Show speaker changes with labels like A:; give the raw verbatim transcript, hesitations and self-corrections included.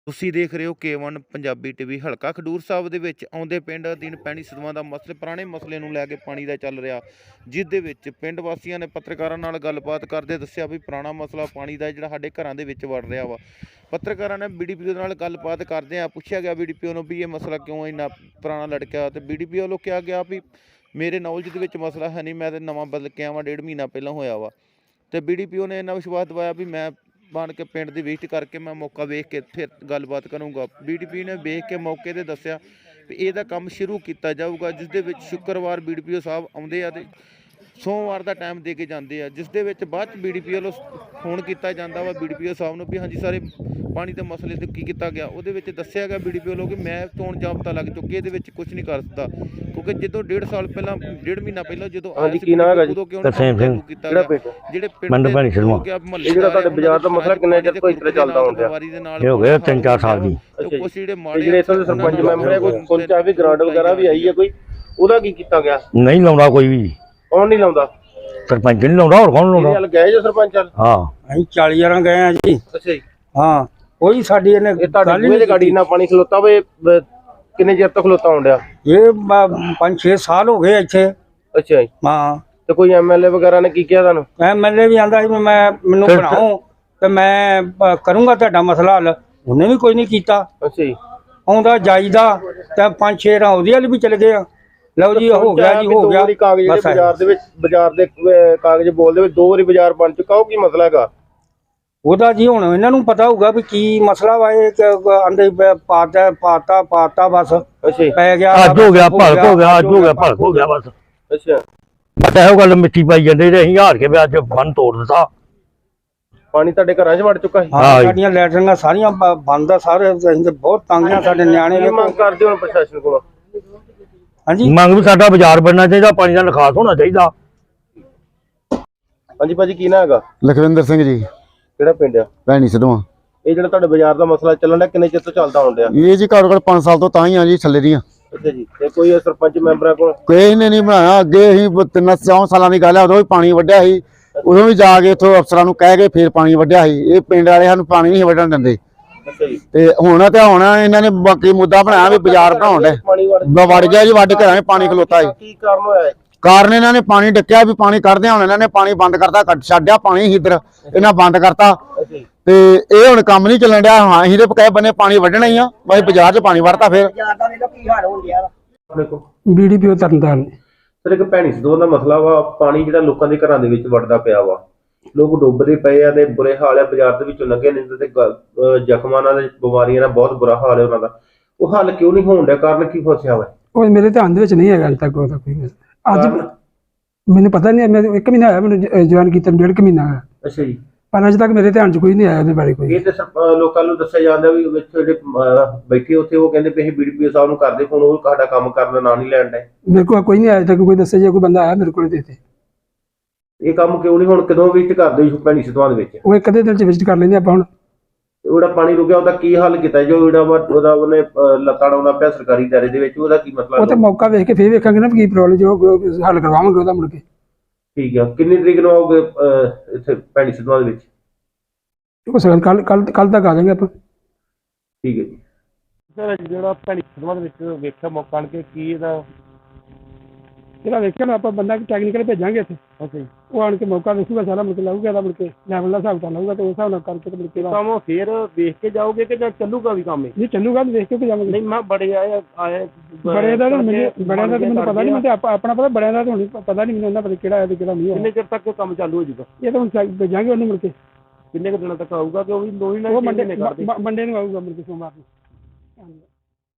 A: ਤੁਸੀਂ ਦੇਖ ਰਹੇ ਹੋ ਕੇ ਵਨ ਪੰਜਾਬੀ ਟੀਵੀ। ਹਲਕਾ ਖਡੂਰ ਸਾਹਿਬ ਦੇ ਵਿੱਚ ਆਉਂਦੇ ਪਿੰਡ ਅਧੀਨ ਪੈਣੀ ਸਦਵਾਂ ਦਾ ਮਸਲੇ ਪੁਰਾਣੇ ਮਸਲੇ ਨੂੰ ਲੈ ਕੇ ਪਾਣੀ ਦਾ ਚੱਲ ਰਿਹਾ, ਜਿਸ ਦੇ ਵਿੱਚ ਪਿੰਡ ਵਾਸੀਆਂ ਨੇ ਪੱਤਰਕਾਰਾਂ ਨਾਲ ਗੱਲਬਾਤ ਕਰਦੇ ਦੱਸਿਆ ਵੀ ਪੁਰਾਣਾ ਮਸਲਾ ਪਾਣੀ ਦਾ ਜਿਹੜਾ ਸਾਡੇ ਘਰਾਂ ਦੇ ਵਿੱਚ ਵੜ ਰਿਹਾ ਵਾ। ਪੱਤਰਕਾਰਾਂ ਨੇ ਬੀ ਡੀ ਪੀ ਓ ਨਾਲ ਗੱਲਬਾਤ ਕਰਦੇ ਆ ਪੁੱਛਿਆ ਗਿਆ ਬੀ ਡੀ ਪੀ ਓ ਨੂੰ ਵੀ ਇਹ ਮਸਲਾ ਕਿਉਂ ਇੰਨਾ ਪੁਰਾਣਾ ਲੜਕਿਆ, ਤੇ ਬੀ ਡੀ ਪੀ ਓ ਵੱਲੋਂ ਕਿਹਾ ਗਿਆ ਵੀ ਮੇਰੇ ਨੌਲੇਜ ਦੇ ਵਿੱਚ ਮਸਲਾ ਹੈ ਨਹੀਂ, ਮੈਂ ਤਾਂ ਨਵਾਂ ਬਦਲ ਕੇ ਆਵਾਂ, ਡੇਢ ਮਹੀਨਾ ਪਹਿਲਾਂ ਹੋਇਆ ਵਾ। ਤੇ ਬੀ ਡੀ ਪੀ ਓ ਨੇ ਇੰਨਾ ਵਿਸ਼ਵਾਸ ਦਿਵਾਇਆ ਵੀ ਮੈਂ ਬਣ ਕੇ ਪਿੰਡ ਦੀ ਵਿਜ਼ਿਟ ਕਰਕੇ ਮੈਂ ਮੌਕਾ ਵੇਖ ਕੇ ਫਿਰ ਗੱਲਬਾਤ ਕਰੂੰਗਾ। ਬੀ ਡੀ ਪੀ ਨੇ ਵੇਖ ਕੇ ਮੌਕੇ 'ਤੇ ਦੱਸਿਆ ਵੀ ਇਹਦਾ ਕੰਮ ਸ਼ੁਰੂ ਕੀਤਾ ਜਾਊਗਾ, ਜਿਸ ਦੇ ਵਿੱਚ ਸ਼ੁੱਕਰਵਾਰ ਬੀ ਡੀ ਪੀ ਓ ਸਾਹਿਬ ਆਉਂਦੇ ਆ ਅਤੇ ਸੋਮਵਾਰ ਦਾ ਟਾਈਮ ਦੇ ਕੇ ਜਾਂਦੇ ਆ, ਜਿਸ ਦੇ ਵਿੱਚ ਬਾਅਦ 'ਚ ਬੀ ਡੀ ਪੀ ਵੱਲੋਂ ਫੋਨ ਕੀਤਾ ਜਾਂਦਾ ਵਾ ਬੀ ਡੀ ਪੀ ਓ ਸਾਹਿਬ ਨੂੰ ਵੀ ਹਾਂਜੀ ਸਾਰੇ ਪਾਣੀ ਦੇ ਮਸਲੇ 'ਤੇ ਕੀ ਕੀਤਾ ਗਿਆ। ਉਹਦੇ ਵਿੱਚ ਦੱਸਿਆ ਗਿਆ ਬੀ ਡੀ ਪੀ ਵੱਲੋਂ ਕਿ ਮੈਂ ਚੋਣ ਜਾਬਤਾ ਲੱਗ ਚੁੱਕੀ, ਇਹਦੇ ਵਿੱਚ ਕੁਝ ਨਹੀਂ ਕਰ ਸਕਦਾ, ਕਿਉਂਕਿ ਜਦੋਂ ਡੇਢ ਸਾਲ ਪਹਿਲਾਂ ਡੇਢ ਮਹੀਨਾ ਪਹਿਲਾਂ ਜਦੋਂ
B: ਹਾਂਜੀ ਕੀ ਨਾਮ ਹੈਗਾ ਜੀ?
A: ਉਦੋਂ ਕਿਉਂ
B: ਤਰਸੇਮ ਸਿੰਘ।
A: ਕੀਤਾ
B: ਕਿਹੜਾ
A: ਗਿਆ
B: ਪਿੰਡ?
A: ਜਿਹੜੇ
B: ਪਿੰਡ ਭੈਣੀ ਸਦਵਾਂ।
A: ਮਹੱਲੇ
B: ਜਿਹੜਾ ਤੁਹਾਡੇ ਬਾਜ਼ਾਰ ਦਾ ਮਸਲਾ ਕਿੰਨੇ ਚਿਰ ਤੋਂ ਇਸ ਤਰ੍ਹਾਂ ਚੱਲਦਾ ਹੁੰਦਾ?
A: ਇਹ ਹੋ ਗਿਆ
B: ਤਿੰਨ ਚਾਰ ਸਾਲ ਦੀ।
A: ਕੁਛ ਜਿਹੜੇ
B: ਤੇ ਜਿਹੜੇ ਇੱਥੋਂ ਦੇ ਸਰਪੰਚ ਮੈਂਬਰ ਹੈ, ਕੋਈ ਸੋਚਿਆ ਵੀ ਗ੍ਰਾਂਟ ਵਗੈਰਾ ਵੀ ਆਈ ਹੈ ਕੋਈ, ਉਹਦਾ ਕੀ ਕੀਤਾ ਗਿਆ?
C: ਨਹੀਂ ਲਾਉਂਦਾ ਕੋਈ ਵੀ,
B: ਕੌਣ ਨਹੀਂ ਲਾਉਂਦਾ?
C: ਸਰਪੰਚ ਨਹੀਂ ਲਾਉਂਦਾ, ਹੋਰ ਕੌਣ ਲਾਉਂਦਾ?
B: ਇਹ ਗਏ ਜੋ ਸਰਪੰਚ?
C: ਹਾਂ
D: ਅਸੀਂ ਚਾਲੀ ਹਜ਼ਾਰਾਂ ਗਏ ਆ ਜੀ।
B: ਅੱਛਾ ਜੀ।
D: ਹਾਂ ਕੋਈ ਸਾਡੀ ਇਹਨੇ
B: ਇਹ ਤੁਹਾਡੀ ਬੂਹੇ ਤੇ ਗਾੜੀ ਨਾਲ ਪਾਣੀ ਖਲੋਤਾ ਵੇ, ਕਿੰਨੇ ਚਿਰ ਤੋਂ ਖਲੋਤਾ ਹੁੰਦਾ?
D: ਇਹ ਪੰਜ ਛੇ ਸਾਲ ਹੋ ਗਏ ਇੱਥੇ।
B: ਅੱਛਾ ਜੀ।
D: ਹਾਂ
B: ਤੇ ਕੋਈ ਐਮ ਐਲ ਏ ਵਗੈਰਾ ਨੇ ਕੀ ਕਿਹਾ ਤੁਹਾਨੂੰ?
D: ਐਮ ਐਲ ਏ ਵੀ ਆਂਦਾ ਸੀ ਵੀ ਮੈਂ ਮੈਨੂੰ ਬਣਾਓ ਤੇ ਮੈਂ ਪ- ਕਰੂੰਗਾ ਤੁਹਾਡਾ ਮਸਲਾ ਹੱਲ, ਉਹਨੇ ਵੀ ਕੋਈ ਨਹੀਂ ਕੀਤਾ।
B: ਅੱਛਾ ਜੀ।
D: ਆਉਂਦਾ ਜਾਈਦਾ ਤੇ ਪੰਜ ਛੇ ਰਾਂ ਉਹਦੇ ਵੱਲ ਵੀ ਚਲੇ ਗਏ ਆ। ਲਓ ਜੀ ਹੋ ਗਿਆ ਜੀ ਹੋ ਗਿਆ।
B: ਕਾਗਜ਼ ਜਿਹੜੇ ਬਾਜ਼ਾਰ ਦੇ ਵਿੱਚ ਬਾਜ਼ਾਰ ਦੇ ਅਹ, ਕਾਗਜ਼ ਬੋਲਦੇ ਵਿੱਚ ਦੋ ਵਾਰੀ ਬਾਜ਼ਾਰ ਬਣ ਚੁੱਕਾ, ਉਹ ਕੀ ਮਸਲਾ ਹੈਗਾ
D: ਉਹਦਾ ਜੀ ਹੁਣ ਇਹਨਾਂ ਨੂੰ ਪਤਾ ਹੋਊਗਾ ਵੀ ਕੀ ਮਸਲਾ ਵਾ। ਇਹ ਆਂਦੇ ਪਾਤਾ ਪਾਤਾ ਪਾਤਾ ਬਸ
B: ਅੱਛਾ ਜੀ।
D: ਪੈ ਗਿਆ,
C: ਅੱਜ ਹੋ ਗਿਆ ਭਲਕ ਹੋ ਗਿਆ, ਅੱਜ ਹੋ ਗਿਆ ਭਲਕ ਹੋ ਗਿਆ ਬਸ।
B: ਅੱਛਾ।
C: ਬਸ ਇਹੋ ਗੱਲ ਮਿੱਟੀ ਪਾਈ ਜਾਂਦੇ ਤੇ ਅਸੀਂ ਹਾਰ ਕੇ ਵੀ ਅੱਜ ਬੰਨ ਤੋੜ ਦਿੱਤਾ।
B: ਪਾਣੀ ਤੁਹਾਡੇ ਘਰਾਂ 'ਚ ਵੜ ਚੁੱਕਾ ਹੈ?
D: ਹਾਂ ਸਾਡੀਆਂ ਲੈਟਰਿੰਗਾਂ ਸਾਰੀਆਂ ਬ- ਬੰਦ ਆ ਸਾਰੇ। ਅਸੀਂ ਤੇ ਬਹੁਤ ਤੰਗ ਆ, ਸਾਡੇ ਨਿਆਣੇ
B: ਕੀ ਮੰਗ ਕਰਦੇ ਹੋ ਪ੍ਰਸ਼ਾਸਨ ਕੋਲੋਂ?
D: ਹਾਂਜੀ
C: ਮੰਗ ਵੀ ਸਾਡਾ ਬਾਜ਼ਾਰ ਬਣਨਾ ਚਾਹੀਦਾ, ਪਾਣੀ ਦਾ ਨਿਕਾਸ ਹੋਣਾ ਚਾਹੀਦਾ।
B: ਹਾਂਜੀ ਭਾਜੀ ਕੀ ਨਾ ਹੈਗਾ?
E: ਲਖਵਿੰਦਰ ਸਿੰਘ ਜੀ,
B: ਕਿਹੜਾ ਪਿੰਡ ਆ?
E: ਭੈਣੀ ਸਦਵਾਂ।
B: ਇਹ ਜਿਹੜਾ ਤੁਹਾਡੇ ਬਾਜ਼ਾਰ ਦਾ ਮਸਲਾ ਚੱਲਣ ਦਾ ਕਿੰਨੇ ਚਿਰ ਤੋਂ ਚੱਲਦਾ ਆਉਣ ਡਿਆ?
E: ਇਹ ਜੀ ਘੱਟੋ ਘੱਟ ਪੰਜ ਸਾਲ ਤੋਂ ਤਾਂ ਹੀ ਆ ਜੀ ਥੱਲੇ ਦੀਆਂ।
B: ਅੱਛਾ ਜੀ। ਤੇ ਕੋਈ ਸਰਪੰਚ ਮੈਂਬਰਾਂ ਕੋਲ?
E: ਕੋਈ ਨੇ ਨਹੀਂ ਬਣਾਇਆ। ਅੱਗੇ ਅਸੀਂ ਬ- ਤਿੰਨ ਚੌਂ ਸਾਲਾਂ ਦੀ ਗੱਲ ਹੈ, ਉਦੋਂ ਵੀ ਪਾਣੀ ਵੱਢਿਆ ਸੀ, ਉਦੋਂ ਵੀ ਜਾ ਕੇ ਇੱਥੋਂ ਅਫਸਰਾਂ ਨੂੰ ਕਹਿ ਕੇ ਫਿਰ ਪਾਣੀ ਵੱਢਿਆ ਸੀ। ਇਹ ਪਿੰਡ ਵਾਲੇ ਸਾਨੂੰ ਪਾਣੀ ਨਹੀਂ ਵੱਢਣ ਦਿੰਦੇ।
B: ਅੱਛਾ ਜੀ।
E: ਤੇ ਹੁਣ ਤੇ ਹੁਣ ਇਹਨਾਂ ਨੇ ਬਾਕੀ ਮੁੱਦਾ ਬਣਾਇਆ ਵੀ ਬਾਜ਼ਾਰ ਬਣਾਉਣ ਦੇ
B: ਪਾਣੀ ਵੜ
E: ਵੜ ਗਿਆ ਜੀ, ਵੱਢ ਘਰਾਂ 'ਚ ਪਾਣੀ ਖਲੋਤਾ ਸੀ।
B: ਕੀ ਕਾਰਨ ਹੋਇਆ ਹੈ?
E: ਕਾਰਨ ਇਹਨਾਂ ਨੇ ਪਾਣੀ ਡੱਕਿਆ ਵੀ ਪਾਣੀ ਕੱਢਦੇ, ਹੁਣ ਇਹਨਾਂ ਨੇ ਪਾਣੀ ਬੰਦ ਕਰਤਾ, ਕੱਢ ਛੱਡਿਆ ਪਾਣੀ ਇੱਧਰ, ਇਹਨਾਂ ਬੰਦ ਕਰਤਾ।
B: ਅੱਛਾ ਜੀ।
E: ਤੇ ਇਹ ਹੁਣ ਕੰਮ ਨਹੀਂ ਚੱਲਣ ਡਿਆ। ਹਾਂ ਅਸੀਂ ਤੇ ਪਕਾਏ ਬੰਨੇ ਪਾਣੀ ਵੱਢਣਾ ਹੀ ਆ, ਬਾਈ ਬਾਜ਼ਾਰ 'ਚ ਪਾਣੀ ਵੜਤਾ ਫਿਰ।
B: ਦੇਖੋ
D: B D P O Tarn Taran.
B: Sir ਇੱਕ ਭੈਣੀ ਸਦਵਾਂ ਦਾ ਮਸਲਾ ਵਾ, ਪਾਣੀ ਜਿਹੜਾ ਲੋਕਾਂ ਦੇ ਘਰਾਂ ਦੇ ਵਿੱਚ ਵੜਦਾ ਪਿਆ ਵਾ, ਲੋਕ ਡੁੱਬਦੇ ਪਏ ਆ ਤੇ ਬੁਰੇ ਹਾਲ ਆ। ਬਾਜ਼ਾਰ ਦੇ ਵਿੱਚੋਂ ਲੰਘੇ ਨਹੀਂ ਤੇ ਅਹ ਜ਼ਖਮਾਂ ਨਾਲ ਤੇ ਬਿਮਾਰੀਆਂ ਨਾਲ ਬਹੁਤ ਬੁਰਾ ਹਾਲ ਹੈ ਉਹਨਾਂ ਦਾ। ਉਹ ਹੱਲ ਕਿਉਂ ਨਹੀਂ ਹੋਣ ਡਿਆ? ਕਾਰਨ ਕੀ ਫਸਿਆ ਵਾ?
F: ਉਹ ਮੇਰੇ ਧਿਆਨ ਦੇ ਵਿੱਚ ਨਹੀਂ ਹੈਗਾ ਅਜੇ ਤੱਕ ਉਹਦਾ ਕੋਈ ਮਸਲਾ। ਅੱਜ ਮੈਨੂੰ ਪਤਾ ਨਹੀਂ, ਮੈਂ ਇੱਕ ਮਹੀਨਾ ਹੋਇਆ ਮੈਨੂੰ ਜੁਆਇਨ ਕੀਤਾ, ਡੇਢ ਕੁ ਮਹੀਨਾ ਹੋਇਆ,
B: ਅੱਛਾ ਜੀ।
F: ਪਰ ਅਜੇ ਤੱਕ ਮੇਰੇ ਧਿਆਨ 'ਚ ਕੋਈ ਨਹੀਂ ਆਇਆ ਉਹਦੇ ਬਾਰੇ ਕੋਈ।
B: ਇਹ ਤੇ ਸਰ- ਅਹ ਲੋਕਾਂ ਨੂੰ ਦੱਸਿਆ ਜਾਂਦਾ ਵੀ ਵਿੱਚ ਜਿਹੜੇ ਅਹ ਬੈਠੇ ਉੱਥੇ ਉਹ ਕਹਿੰਦੇ ਵੀ ਅਸੀਂ ਬੀ ਡੀ ਪੀ ਓ ਸਾਹਿਬ ਨੂੰ ਕਰਦੇ ਫੋਨ, ਉਹ ਸਾਡਾ ਕੰਮ ਕਰਨ ਦਾ ਨਾਂ ਨਹੀਂ ਲੈਣ ਡਏ।
F: ਮੇਰੇ ਕੋਲ ਕੋਈ ਨਹੀਂ ਆਇਆ ਅਜੇ ਤੱਕ ਕੋਈ ਦੱਸੇ, ਜੇ ਕੋਈ ਬੰਦਾ ਆਇਆ ਮੇਰੇ ਕੋਲ ਦੇ ਦੇ।
B: ਇਹ ਕੰਮ ਕਿਉਂ ਨਹੀਂ ਹੁਣ ਕਦੋਂ ਵਿਜ਼ਿਟ ਕਰਦੇ ਹੋ ਭੈਣੀ ਸਦਵਾਂ ਦੇ ਵਿੱਚ?
F: ਉਹ ਇੱਕ ਅੱਧੇ ਦਿਨ 'ਚ ਵਿਜ਼ਿਟ ਕਰ ਲੈਂਦੇ ਆਪਾਂ ਹੁਣ।
B: ਉਹ ਜਿਹੜਾ ਪਾਣੀ ਰੁਕਿਆ ਉਹਦਾ ਕੀ ਹੱਲ ਕੀਤਾ? ਜੋ ਜਿਹੜਾ ਵਾ ਉਹਦਾ ਉਹਨੇ ਅਹ ਲੱਤਾਂ ਡਾਉਂਦਾ ਪਿਆ ਸਰਕਾਰੀ ਦਾਇਰੇ ਦੇ ਵਿੱਚ, ਉਹਦਾ ਕੀ ਮਸਲਾ?
F: ਉਹ ਤੇ ਮੌਕਾ ਵੇਖ ਕੇ ਫੇਰ ਵੇਖਾਂਗੇ ਨਾ ਵੀ ਕੀ ਪ੍ਰੋਬਲਮ, ਜੋ ਹੱਲ ਕਰਵਾਵਾਂਗੇ ਉਹਦਾ ਮੁੜ ਕੇ।
B: ਠੀਕ ਆ। ਕਿੰਨੀ ਤਰੀਕ ਨੂੰ ਆਓਗੇ ਅਹ ਇੱਥੇ ਭੈਣੀ ਸਦਵਾਂ ਦੇ ਵਿੱਚ?
F: ਹੋ ਸਕਦਾ ਕੱਲ ਕੱਲ ਕੱਲ ਤੱਕ ਆ ਜਾਵਾਂਗੇ ਆਪਾਂ।
B: ਠੀਕ ਹੈ ਜੀ।
G: ਸਰ ਜਿਹੜਾ ਭੈਣੀ ਸਦਵਾਂ ਦੇ ਵਿੱਚ ਵੇਖਿਆ ਮੌਕਾ ਆਣ ਕੇ ਕੀ ਇਹਦਾ?
F: ਜਿਹੜਾ ਵੇਖਿਆ ਨਾ ਆਪਾਂ ਬੰਦਾ ਟੈਕਨੀਕਲ ਭੇਜਾਂਗੇ ਇੱਥੇ,
G: ਓਕੇ ਜੀ।
F: ਉਹ ਆਣ ਕੇ ਮੌਕਾ ਵੇਖੂਗਾ ਸਾਰਾ, ਮੁੜ ਕੇ ਲਾਊਗਾ ਇਹਦਾ, ਮੁੜ ਕੇ ਲੈਵਲ ਦਾ ਹਿਸਾਬ ਕਰ ਲਾਊਗਾ ਤੇ ਉਸ ਹਿਸਾਬ ਨਾਲ ਕਰਕੇ ਤੇ ਮੁੜ ਕੇ
G: ਕੰਮ ਫੇਰ ਵੇਖ ਕੇ ਜਾਓਗੇ ਕਿ ਜਾਂ ਚੱਲੂਗਾ ਵੀ ਕੰਮ?
F: ਨਹੀਂ ਚੱਲੂਗਾ, ਵੇਖ ਕੇ ਭੇਜਾਂਗੇ।
G: ਨਹੀਂ ਮੈਂ ਬੜੇ ਆਏ ਆਏ
F: ਬੜਿਆਂ ਦਾ ਤਾਂ ਮੈਨੂੰ ਬੜਿਆਂ ਦਾ ਤਾਂ ਮੈਨੂੰ ਪਤਾ ਨਹੀਂ, ਮੈਨੂੰ ਤਾਂ ਆਪਣਾ ਪਤਾ, ਬੜਿਆਂ ਦਾ ਤਾਂ ਹੁਣ ਪਤਾ ਨਹੀਂ ਮੈਨੂੰ, ਉਹਨਾਂ ਪਤਾ ਕਿਹੜਾ ਹੈ ਤੇ ਕਿਹੜਾ ਨਹੀਂ ਹੈ।
G: ਕਿੰਨੇ ਚਿਰ ਤੱਕ ਕੰਮ ਚਾਲੂ ਹੋ ਜਾਊਗਾ?
F: ਇਹ ਤਾਂ ਹੁਣ ਭੇਜਾਂਗੇ ਉਹਨੂੰ ਮੁੜ ਕੇ।
G: ਕਿੰਨੇ ਕੁ ਦਿਨਾਂ ਤੱਕ ਆਊਗਾ ਕਿ ਉਹ ਵੀ ਦੋ ਹੀ ਨਾ
F: ਉਹ ਮੰਡੇ ਮੰਡੇ ਨੂੰ ਆਊਗਾ ਮੁੜ ਕੇ ਸੋਮਵਾਰ ਨੂੰ।